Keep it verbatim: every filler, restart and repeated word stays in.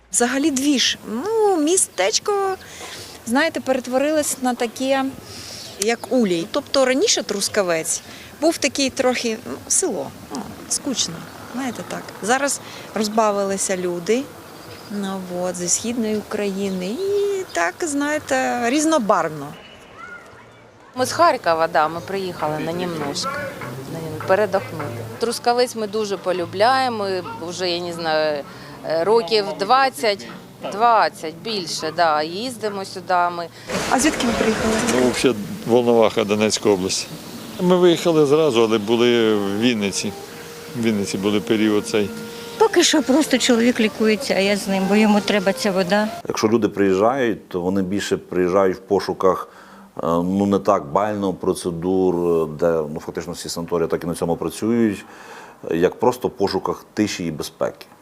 Взагалі двіж. Ну, містечко, знаєте, перетворилось на таке, як Улій. Тобто раніше Трускавець був такий трохи, ну, село, ну, скучно, знаєте так. Зараз розбавилися люди, ну, от, зі Східної України і так, знаєте, різнобарвно. Ми з Харкова, да, ми приїхали на немножко, на нем- передохнути. Трускавець ми дуже полюбляємо, ми вже, я не знаю, років двадцять, двадцять більше, да, їздимо сюди ми. А звідки ви приїхали? Ну, взагалі, Волноваха, Донецька область. Ми виїхали зразу, але були в Вінниці. В Вінниці були період цей. Поки що просто чоловік лікується, а я з ним, бо йому треба ця вода. Якщо люди приїжджають, то вони більше приїжджають в пошуках е, ну не так бально процедур, де ну, фактично всі санаторії так і на цьому працюють, як просто в пошуках тиші і безпеки.